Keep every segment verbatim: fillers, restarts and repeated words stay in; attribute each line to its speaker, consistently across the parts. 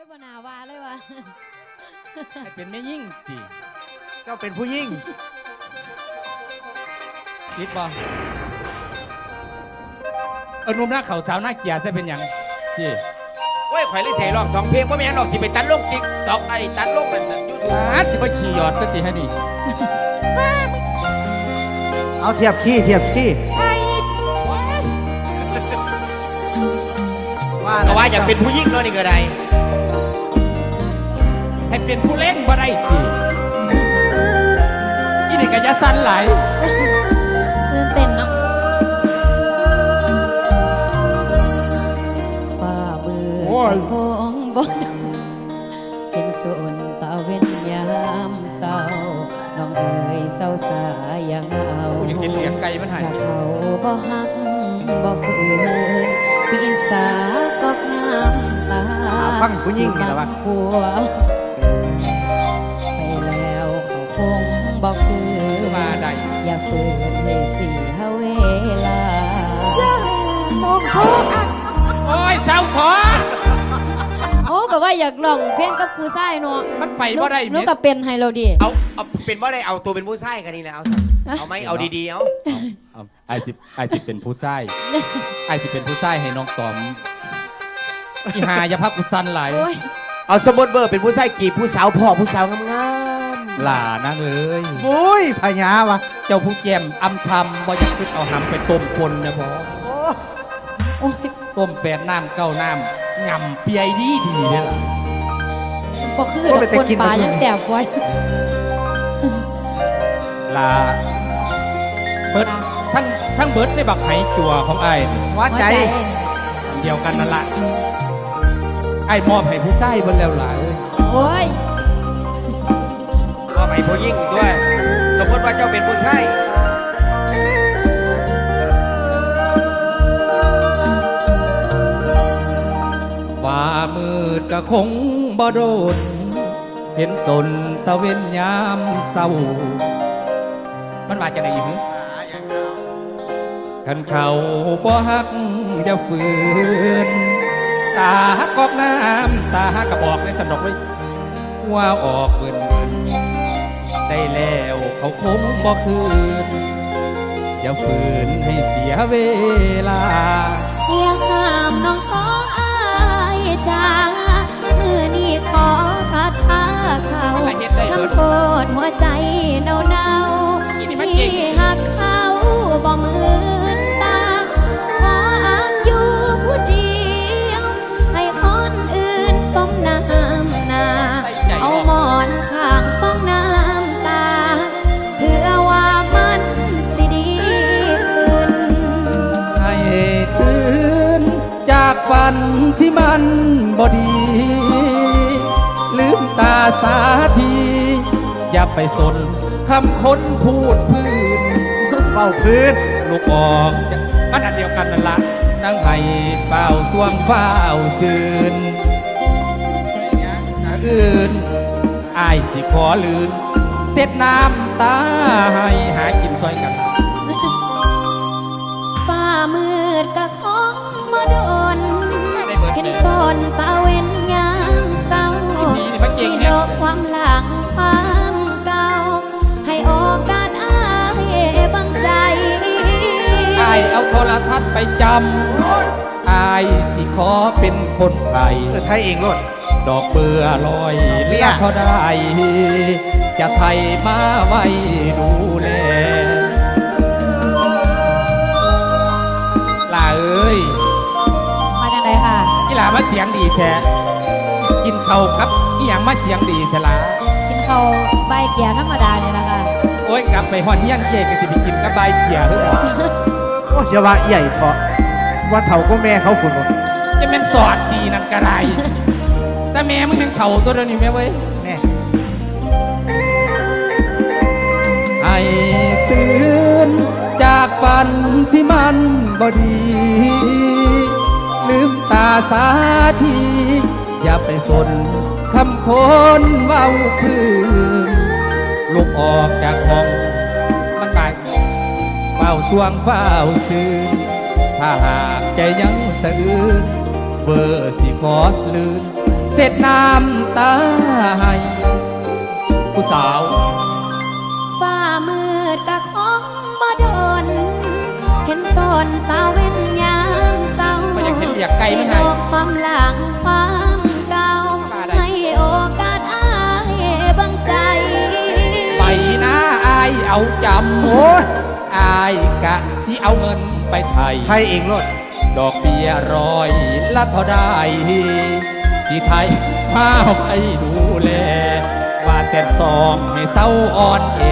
Speaker 1: บนาวาเลยวะ
Speaker 2: ให้เป็นแม่ยิ่งจี
Speaker 3: เจ้าเป็นผู้ยิ่ง
Speaker 2: คิดบ่เออนุ่มหน้าเขาสาวหน้าเกียร์จะเป็นยังจี
Speaker 4: โอ้ยข่อยเลยเสียร้องสองเพลงว่าไม่งั้นหรอกสิไปตัดลงติ๊กตอกไอ้ตัดลงนั่นยูทูบ
Speaker 2: อาสิไปขี่หยอดสติให้นี่
Speaker 3: เอาเทียบขี้เทียบขี้
Speaker 4: ก็ว่าอยากเป็นผู้ยิ่งเนาะนี่ก็ได้
Speaker 2: ให้เป็นผู้เล่นบ่ได้จีอีนี่ก็ยะสั้นหลาย
Speaker 1: ตื่นเต้นเนาะฝ่ามือของบนเป็นส่วนตาเว้นยามเศร้าน้องเอ๋ยเศร้าสายยังเอา
Speaker 2: อยากกินเหลียงไก่มันหาย
Speaker 1: เขาบ่ฮักบ่ฝืนพี่สาก็น้ำตา
Speaker 3: ฟังผู้ยิ่งนี่ละวะ
Speaker 1: ผัวไปแล้วเขาคงบ่คืน
Speaker 2: มาได้
Speaker 1: อย่าฝืนให้เสียเวลา
Speaker 2: โอ้ยเศร้าขอ
Speaker 1: โอ้ก็ว่าอยากลองเพลงกับผู้ชายเนาะ
Speaker 2: มันไปบ่ได้
Speaker 1: นุก็เป็นไฮโลดี
Speaker 4: เอาเอาเป็นว่าได้เอาตัวเป็นผู้ชายกันนี่แหละเอาเอาไหมเอาดีๆเอา
Speaker 2: ไอจิไอจิเป็นผู้ชายไอจิเป็นผู้ชายให้น้องตอมอีหาอย่าพักกุสันไหล
Speaker 4: เอาสมมติเบอร์เป็นผู้ชายกีบผู้สาวพ่อผู้สาวงาม
Speaker 2: ๆหล่านั่งเลย
Speaker 3: โอ้ยพญาวะ
Speaker 2: เจ้าผู้แก้มอำทำบ่อยากขึ้นเอาหำไปต้มปนนะพ่อต้มแปดน้ำเก้าน้ำงำเปียดีดีเนี่ยล่ะ
Speaker 1: บ่คือคนป่ายังแสบไว้
Speaker 2: ลาเบิดทั้งทั้งเบิดในบักไหจั่วของไอ้
Speaker 3: หัวใจ
Speaker 2: เดียวกันนั่นแหละไอ้มอบให้ผู้ใต้บนแล้วล่ะ
Speaker 1: โอ้ย
Speaker 4: มอบให้ผู้ยิ่งด้วยสมมติว่าเจ้าเป็นผู้ชาย
Speaker 2: ว่ามืดก็คงบ่โดนเห็นสนตะเวนยามเศร้ามันว่าจะไหนอยู่ขันเขาบ่ฮักอย่าฝืนตาฮักกอกน้ำตาฮักกระบอกในสนอกไว้ว่าออกเกินได้แล้วเขาคงบ่คืนอย่าฝืนให้เสียเวลา
Speaker 1: อย่าห้ามน้องขออายจ้ามือนี้ขอคาถาเขาทำโกรธหัวใจเนาเนาที่หักเขาบ่เหมือนตาขออ้างอยู่ผู้เดียวให้คนอื่นสมน้ำหน้าเอาหมอนข้างต้องน้ำตาเพื่อว่ามันสิดีขึ้น
Speaker 2: ให้ตื่นจากฝันที่มันบ่ดีลืมตาสาทีอย่าไปสนคำคนพูดพื้น
Speaker 3: เป่าพื้น
Speaker 2: ลูกออกมันอันเดียวกันนั่นละนั่งไห้เป่าสวงเฝ้าซื่นอื่นอายสิขอลื่นเสร็จน้ำตาให้หากินซอยกัน
Speaker 1: ฟ้ามืดกะคงมาโดนเห็นฝนตะเวนยามเศร้าสิโลกความหลังฟังเก่าให้โอกาสอายบังใจ
Speaker 2: อายเอาโทรทัศน์ไปจำอายสิขอเป็นคนไทย
Speaker 3: ไทยเองรถ
Speaker 2: ดอกเบื่อลอยเลี้ยเท่าใดจะไทยมาไว้ดูแลล่าเอ้ย
Speaker 1: มาจากไหนค่ะ
Speaker 2: กีฬามาเสียงดีแท้กินข้าวครับอีหยังมาเสียงดีแท้ล่ะ
Speaker 1: กินข้าวใบเกียร์ธรรมดาเนี่ยแหละค่ะ
Speaker 2: โอ้ยกลับไปหอนยังเจ๊กันสิไปกินกับใบเกียร์หรือเปล่า
Speaker 3: โอ้เชื่อว่าใหญ่เพราะว่าเถ่าก็แม่เขาคุณ
Speaker 2: จะเป็นสอดดีนั่นกระไรแต่แม่มึงยังเข่าตัวนี้แม่เว้ย
Speaker 3: แม่
Speaker 2: ให้ตื่นจากฝันที่มันบ่ดีลืมตาสาทีอย่าไปสนคำคนเว้าพื้นลุกออกจากห้องมันตายเฝ้าสวงเฝ้าซื่นถ้าหากใจยังสะอื้นเบอร์สิขอสลืนเสร็จน้
Speaker 1: นตาเว้นยามเศร้า
Speaker 2: ไม่อยากเห็นเรียกไก่ไม่ให้
Speaker 1: บอกความหลังความเก่าให้โอกาสอายบังใจ
Speaker 2: ไปนะอายเอาจำ
Speaker 3: โอ้ย
Speaker 2: อายกะสิเอาเงินไปไทย
Speaker 3: ไทยเองรถ
Speaker 2: ดอกเบี้ยร้อยละเท่าได้สิไทยมาไปดูแล ว่าแต่ซองให้เศร้าอ่อนแอ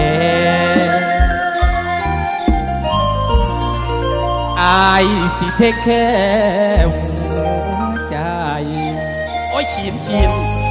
Speaker 2: อายสิเทคแค่หัวใจ โอ้ยขีนขีน